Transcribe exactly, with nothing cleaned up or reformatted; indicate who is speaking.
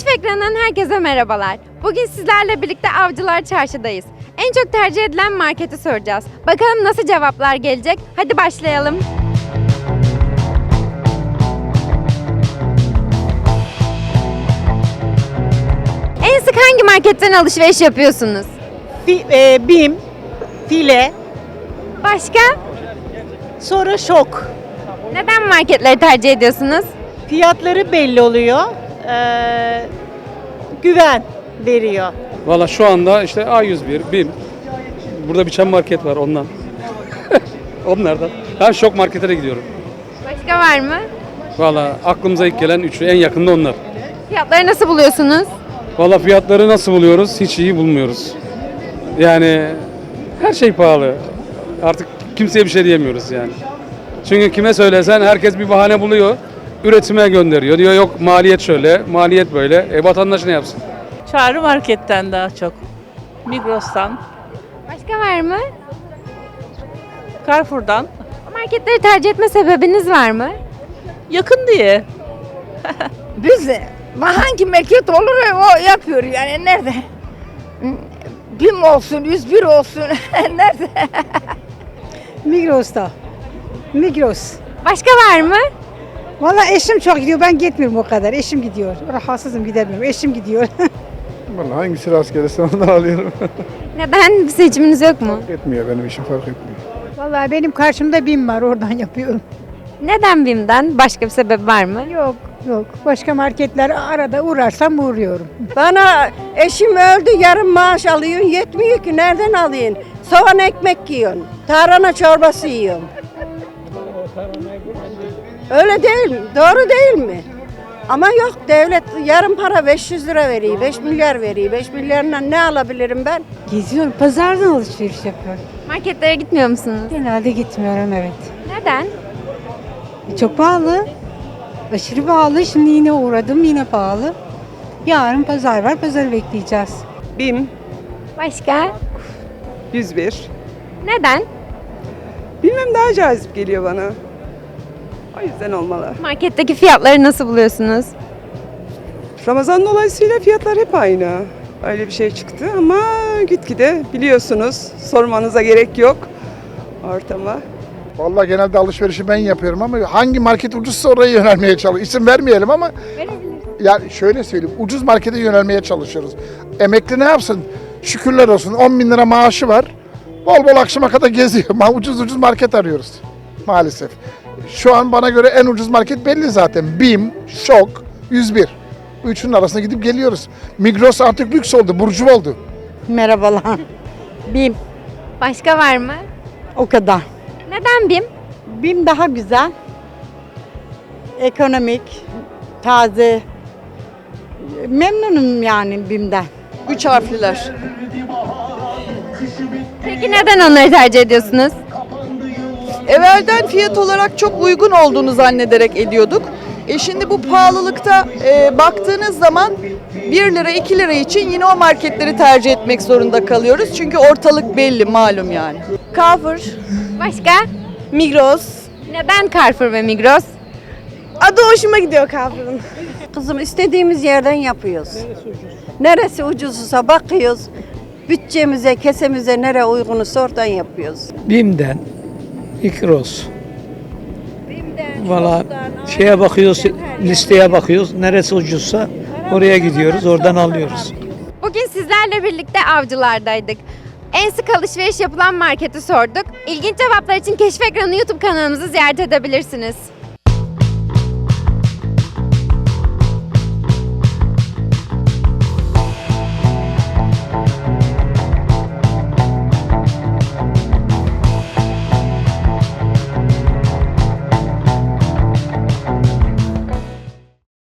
Speaker 1: Keşif ekranından herkese merhabalar. Bugün sizlerle birlikte Avcılar Çarşı'dayız. En çok tercih edilen marketi soracağız. Bakalım nasıl cevaplar gelecek? Hadi başlayalım. En sık hangi marketten alışveriş yapıyorsunuz?
Speaker 2: Fi, e, Bim, File,
Speaker 1: Başka?
Speaker 2: sonra Şok.
Speaker 1: Neden marketleri tercih ediyorsunuz?
Speaker 2: Fiyatları belli oluyor. Ee, güven veriyor.
Speaker 3: Valla şu anda işte A yüz bir, BİM. Burada bir çam market var ondan. Onlardan. Ben Şok markete de gidiyorum.
Speaker 1: Başka var mı?
Speaker 3: Valla aklımıza ilk gelen üçü en yakında onlar.
Speaker 1: Fiyatları nasıl buluyorsunuz?
Speaker 3: Valla fiyatları nasıl buluyoruz? Hiç iyi bulmuyoruz. Yani her şey pahalı. Artık kimseye bir şey diyemiyoruz yani. Çünkü kime söylesen herkes bir bahane buluyor. Üretime gönderiyor. Diyor yok maliyet şöyle, maliyet böyle. E vatandaş ne yapsın?
Speaker 4: Çağrı marketten daha çok. Migros'tan,
Speaker 1: Başka var mı?
Speaker 4: Carrefour'dan.
Speaker 1: Marketleri tercih etme sebebiniz var mı?
Speaker 4: Yakın diye.
Speaker 5: Biz hangi market olur o yapıyor yani nerede? Bim olsun, yüz bir olsun nerede?
Speaker 6: Migros'ta. Migros.
Speaker 1: Başka var mı?
Speaker 6: Valla eşim çok gidiyor, ben gitmiyorum o kadar. Eşim gidiyor. Rahatsızım, gidemiyorum. Eşim gidiyor.
Speaker 7: Vallahi hangisi rast gelirse ondan alıyorum.
Speaker 1: Neden? Bir seçiminiz yok mu?
Speaker 7: Etmiyor benim işim fark etmiyor.
Speaker 6: Valla benim karşımda BİM var, oradan yapıyorum.
Speaker 1: Neden BİM'den? Başka bir sebep var mı?
Speaker 6: Yok, yok. Başka marketler arada uğrarsam uğruyorum.
Speaker 8: Bana eşim öldü yarım maaş alıyorsun yetmiyor ki nereden alayım? Soğan ekmek yiyorsun, tarhana çorbası yiyorsun. Öyle değil mi? Doğru değil mi? Ama yok devlet yarım para beş yüz lira veriyor, beş milyar veriyor. beş milyarla ne alabilirim ben?
Speaker 6: Geziyorum, pazardan alışveriş yapıyorum.
Speaker 1: Marketlere gitmiyor musunuz?
Speaker 6: Genelde gitmiyorum, evet.
Speaker 1: Neden?
Speaker 6: E, Çok pahalı. Aşırı pahalı. Şimdi yine uğradım, yine pahalı. Yarın pazar var, pazarı bekleyeceğiz.
Speaker 9: Bim
Speaker 1: Başka?
Speaker 9: yüz bir.
Speaker 1: Neden?
Speaker 9: Bilmem daha cazip geliyor bana. O yüzden olmalı.
Speaker 1: Marketteki fiyatları nasıl buluyorsunuz?
Speaker 9: Ramazan dolayısıyla fiyatlar hep aynı. Öyle bir şey çıktı ama gitgide biliyorsunuz sormanıza gerek yok ortama.
Speaker 7: Vallahi genelde alışverişi ben yapıyorum ama hangi market ucuzsa oraya yönelmeye çalışıyoruz. İsim vermeyelim ama yani şöyle söyleyeyim, ucuz markete yönelmeye çalışıyoruz. Emekli ne yapsın? Şükürler olsun on bin lira maaşı var. Bol bol akşama kadar geziyor. Ma- Ucuz ucuz market arıyoruz maalesef. Şu an bana göre en ucuz market belli zaten. BİM, Şok, yüz bir. Bu üçünün arasında gidip geliyoruz. Migros artık lüks oldu, burcu oldu.
Speaker 5: Merhabalar. Bim
Speaker 1: Başka var mı?
Speaker 5: o kadar.
Speaker 1: Neden BİM?
Speaker 5: Bim daha güzel. Ekonomik, taze. Memnunum yani Bim'den.
Speaker 8: Üç harfliler.
Speaker 1: Peki neden onları tercih ediyorsunuz?
Speaker 8: Evvelden fiyat olarak çok uygun olduğunu zannederek ediyorduk. E şimdi bu pahalılıkta e, baktığınız zaman bir lira iki lira için yine o marketleri tercih etmek zorunda kalıyoruz. Çünkü ortalık belli malum yani. Carrefour,
Speaker 1: Başka?
Speaker 8: Migros.
Speaker 1: Neden Carrefour ve Migros?
Speaker 8: Adı hoşuma gidiyor Carrefour'un. Kızım istediğimiz yerden yapıyoruz. Neresi ucuzsa bakıyoruz. Bütçemize, kesemize nere uygunsa oradan yapıyoruz.
Speaker 10: BİM'den, İkros. Valla şeye bakıyoruz, listeye bakıyoruz. Neresi ucuzsa oraya gidiyoruz, oradan alıyoruz.
Speaker 1: Bugün sizlerle birlikte Avcılar'daydık. En sık alışveriş yapılan marketi sorduk. İlginç cevaplar için Keşif Ekranı YouTube kanalımızı ziyaret edebilirsiniz.